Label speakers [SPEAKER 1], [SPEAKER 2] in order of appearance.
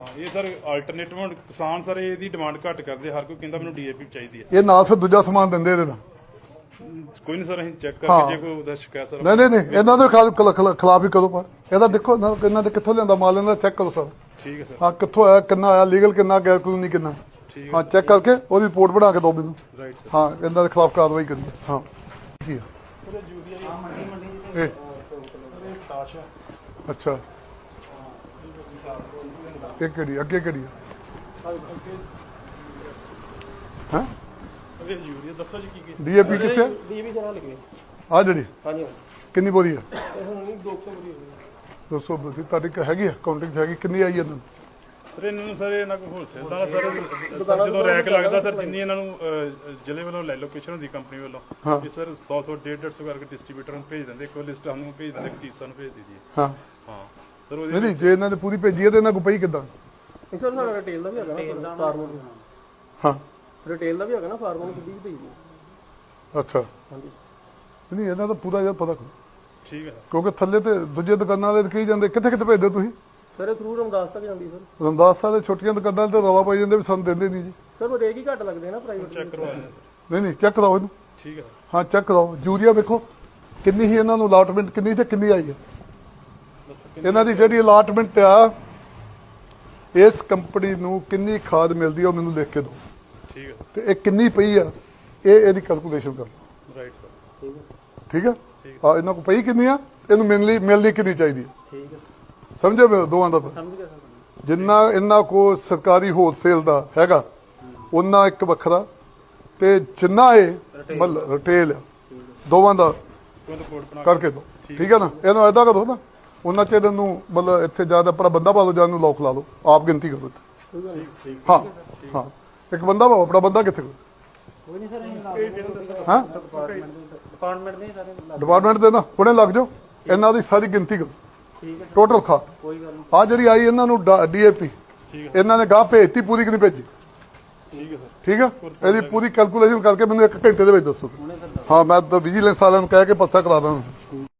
[SPEAKER 1] ਇਹ sir alternative ਹੁਣ ਕਿਸਾਨ ਸਰ ਇਹਦੀ ਡਿਮਾਂਡ ਘੱਟ ਕਰਦੇ, ਹਰ ਕੋਈ ਕਹਿੰਦਾ ਮੈਨੂੰ ਡੀਏਪੀ ਚਾਹੀਦੀ ਹੈ।
[SPEAKER 2] ਇਹ ਨਾਲ ਫਿਰ ਦੂਜਾ ਸਮਾਨ ਦਿੰਦੇ ਇਹਦੇ ਨਾਲ।
[SPEAKER 1] ਕੋਈ ਨਹੀਂ ਸਰ, ਅਸੀਂ ਚੈੱਕ ਕਰਕੇ ਜੇ ਕੋਈ ਉਹਦਾ ਸ਼ਿਕਾਇਤ ਸਰ
[SPEAKER 2] ਨਹੀਂ ਇਹਨਾਂ ਦੇ ਖਿਲਾਫ ਹੀ ਕਰੋ। ਪਰ ਇਹਦਾ ਦੇਖੋ ਇਹਨਾਂ ਦੇ ਕਿੱਥੋਂ ਲਿਆਂਦਾ ਮਾਲ, ਇਹਨਾਂ ਦਾ ਚੈੱਕ ਕਰੋ ਸਰ।
[SPEAKER 1] ਠੀਕ ਹੈ ਸਰ।
[SPEAKER 2] ਹਾਂ, ਕਿੱਥੋਂ ਆਇਆ, ਕਿੰਨਾ ਆਇਆ, ਲੀਗਲ ਕਿੰਨਾ, ਗੈਰ ਕਾਨੂੰਨੀ ਕਿੰਨਾ। ਹਾਂ, ਚੈੱਕ ਕਰਕੇ ਉਹਦੀ ਰਿਪੋਰਟ ਬਣਾ ਕੇ ਦਿਓ ਮੈਨੂੰ।
[SPEAKER 1] Right sir.
[SPEAKER 2] ਹਾਂ, ਇਹਨਾਂ ਦੇ ਖਿਲਾਫ ਕਾਰਵਾਈ ਕਰੀਏ। ਹਾਂ ਕੀ ਆ ਇਹ? ਅੱਛਾ, ਇਹ ਕਿਹੜੀ ਅੱਗੇ ਕਿਹੜੀ ਹੈ?
[SPEAKER 1] ਇਹ ਯੂਰੀਆ ਦੱਸੋ ਜੀ ਕੀ
[SPEAKER 2] ਡੀਏਪੀ ਕਿੱਥੇ?
[SPEAKER 3] ਡੀਏਪੀ ਜਰਾ ਲੱਗੇ
[SPEAKER 2] ਆ ਜਿਹੜੀ
[SPEAKER 3] ਹਾਂਜੀ
[SPEAKER 2] ਕਿੰਨੀ ਬੋਰੀ ਹੈ?
[SPEAKER 3] ਇਹ ਹੁਣ ਨਹੀਂ 200 ਬਰੀ ਹੋ ਗਈ
[SPEAKER 2] 200 ਬੋਰੀ ਤੁਹਾਡੀ ਹੈਗੀ ਆ ਕਾਊਂਟਿੰਗ ਹੈਗੀ? ਕਿੰਨੀ ਆਈ ਇਹਨਾਂ ਨੂੰ?
[SPEAKER 1] ਸਰ ਇਹਨਾਂ ਨੂੰ ਸਰ ਇਹਨਾਂ ਕੋਲ ਹੋਲਸੇਲ ਦਾ ਸਰ ਜਦੋਂ ਰੈਕ ਲੱਗਦਾ ਸਰ, ਜਿੰਨੀ ਇਹਨਾਂ ਨੂੰ ਜ਼ਿਲ੍ਹੇ ਵੱਲੋਂ ਲੈ ਲੋਕੇਸ਼ਨ ਹੁੰਦੀ ਕੰਪਨੀ ਵੱਲੋਂ, ਇਹ ਸਰ 100 150 ਕਰਕੇ ਡਿਸਟ੍ਰੀਬਿਊਟਰ ਨੂੰ ਭੇਜ ਦਿੰਦੇ। ਇੱਕ ਲਿਸਟ ਸਾਨੂੰ ਭੇਜ ਦਿੰਦੇ, ਇੱਕ ਚੀਜ਼ ਸਾਨੂੰ ਭੇਜ ਦਿੰਦੀ ਹੈ।
[SPEAKER 2] ਹਾਂ
[SPEAKER 1] ਹਾਂ ਸਰ ਉਹਦੀ
[SPEAKER 2] ਨਹੀਂ, ਜੇ ਇਹਨਾਂ ਨੇ ਪੂਰੀ ਭੇਜੀ ਹੈ ਤੇ ਇਹਨਾਂ ਕੋ ਪਈ ਕਿੱਦਾਂ?
[SPEAKER 3] ਇਸ ਵਾਰ ਸਾਡਾ ਰਿਟੇਲ ਦਾ ਵੀ ਹੈਗਾ ਨਾ, ਫਾਰਮਰ
[SPEAKER 2] ਹਾਂ,
[SPEAKER 3] ਰਿਟੇਲ ਦਾ ਵੀ ਹੈਗਾ ਨਾ, ਫਾਰਮਰ ਨੂੰ ਕਿੱਦੀ ਭੇਜੀ
[SPEAKER 2] ਅੱਛਾ।
[SPEAKER 3] ਹਾਂਜੀ
[SPEAKER 2] ਨਹੀਂ, ਇਹਨਾਂ ਦਾ ਪੂਰਾ ਜਿਹਾ ਪਤਾ ਕਰੋ,
[SPEAKER 1] ਠੀਕ ਹੈ
[SPEAKER 2] ਕਿਉਂਕਿ ਥੱਲੇ ਤੇ ਦੂਜੇ ਦੁਕਾਨਾਂ ਵਾਲੇ ਕਹੀ ਜਾਂਦੇ ਕਿੱਥੇ ਕਿੱਥੇ ਭੇਜਦੇ ਤੁਸੀਂ?
[SPEAKER 3] ਸਰ ਇਹ ਥਰੂ ਰਮਦਾਸ ਤੱਕ ਜਾਂਦੀ ਸਰ।
[SPEAKER 2] ਰਮਦਾਸ ਵਾਲੇ ਛੋਟੀਆਂ ਦੁਕਾਨਾਂ ਤੇ ਰਵਾ ਪਾਈ ਜਾਂਦੇ ਵੀ ਸਾਨੂੰ ਦਿੰਦੇ ਨਹੀਂ ਜੀ।
[SPEAKER 3] ਸਰ ਉਹ ਰੇਟ ਹੀ ਘੱਟ ਲੱਗਦੇ ਨਾ ਪ੍ਰਾਈਵੇਟ।
[SPEAKER 1] ਚੈੱਕ ਕਰਵਾ ਲੈਂਦੇ ਸਰ।
[SPEAKER 2] ਨਹੀਂ ਚੈੱਕ ਕਰਾਓ ਇਹਨੂੰ।
[SPEAKER 1] ਠੀਕ ਹੈ
[SPEAKER 2] ਹਾਂ, ਚੈੱਕ ਕਰਾਓ। ਯੂਰੀਆ ਵੇਖੋ ਕਿੰਨੀ ਹੀ ਇਹਨਾਂ ਨੂੰ ਅਲਾਟਮੈਂਟ ਕਿੰਨੀ ਤੇ ਕਿੰਨੀ ਆਈ ਹੈ। ਇਹਨਾਂ ਦੀ ਜਿਹੜੀ ਅਲਾਟਮੈਂਟ ਆ, ਇਸ ਕੰਪਨੀ ਨੂੰ ਕਿੰਨੀ ਖਾਦ ਮਿਲਦੀ ਆ ਉਹ ਮੈਨੂੰ ਲਿਖ ਕੇ ਦਿਓ।
[SPEAKER 1] ਠੀਕ ਹੈ
[SPEAKER 2] ਤੇ ਇਹ ਕਿੰਨੀ ਪਈ ਆ, ਇਹਦੀ ਕੈਲਕੂਲੇਸ਼ਨ ਕਰ ਲਓ।
[SPEAKER 1] Right sir.
[SPEAKER 2] ਠੀਕ ਹੈ? ਹਾਂ, ਇਹਨਾਂ ਕੋਲ ਪਈ ਕਿੰਨੀ ਆ, ਇਹਨੂੰ ਮਿਲਣੀ ਕਿੰਨੀ ਚਾਹੀਦੀ ਹੈ।
[SPEAKER 3] ਠੀਕ ਹੈ
[SPEAKER 2] ਸਮਝੇ ਮੇਰੇ ਦੋਵਾਂ ਦਾ?
[SPEAKER 3] ਸਮਝ ਗਿਆ ਸਰ।
[SPEAKER 2] ਜਿੰਨਾ ਇਹਨਾਂ ਕੋ ਸਰਕਾਰੀ ਹੋਲਸੇਲ ਦਾ ਹੈਗਾ ਉਹਨਾਂ ਇੱਕ ਵੱਖਰਾ, ਤੇ ਜਿੰਨਾ ਇਹ ਮਤਲਬ ਰਿਟੇਲ ਦੋਵਾਂ ਦਾ ਕਰਕੇ ਦਿਓ। ਠੀਕ ਹੈ ਨਾ? ਇਹਨੂੰ ਏਦਾਂ ਕਰੋ ਨਾ, ਉਹਨਾਂ ਚ ਇਹਨੂੰ ਮਤਲਬ ਇੱਥੇ ਜਿਆਦਾ ਆਪਣਾ ਬੰਦਾ ਪਾ ਲਓ, ਜਾਂ ਨੂੰ ਲੋਕ ਲਾ ਲਓ, ਆਪ ਗਿਣਤੀ ਕਰੋ ਇੱਥੇ। ਹਾਂ ਹਾਂ, ਇੱਕ ਬੰਦਾ ਪਾਓ, ਆਪਣਾ ਬੰਦਾ ਕਿੱਥੇ?
[SPEAKER 3] ਕੋਈ ਨਹੀਂ ਸਰ,
[SPEAKER 2] ਹਾਂ,
[SPEAKER 3] ਡਿਪਾਰਟਮੈਂਟ ਦੇ ਸਾਰੇ
[SPEAKER 2] ਡਿਪਾਰਟਮੈਂਟ ਦੇ ਨਾ ਹੁਣੇ ਲੱਗ ਜਾਓ, ਇਹਨਾਂ ਦੀ ਸਾਰੀ ਗਿਣਤੀ ਕਰੋ।
[SPEAKER 3] ਠੀਕ ਹੈ
[SPEAKER 2] ਟੋਟਲ ਖਾਦ
[SPEAKER 3] ਕੋਈ ਗੱਲ ਨਹੀਂ।
[SPEAKER 2] ਆ ਜਿਹੜੀ ਆਈ ਇਹਨਾਂ ਨੂੰ ਡੀਏਪੀ, ਇਹਨਾਂ ਨੇ ਗਾਹ ਭੇਜਤੀ, ਪੂਰੀ ਕਿ ਨਹੀਂ ਭੇਜੀ?
[SPEAKER 1] ਠੀਕ ਹੈ ਸਰ।
[SPEAKER 2] ਠੀਕ ਹੈ? ਇਹਦੀ ਪੂਰੀ ਕੈਲਕੂਲੇਸ਼ਨ ਕਰਕੇ ਮੈਨੂੰ 1 ਘੰਟੇ ਦੇ ਵਿੱਚ ਦੱਸੋ। ਹਾਂ, ਮੈਂ ਤਾਂ ਵਿਜੀਲੈਂਸ ਵਾਲਿਆਂ ਨੂੰ ਕਹਿ ਕੇ ਪੱਤਾ ਕਰਾ ਦਾਂ।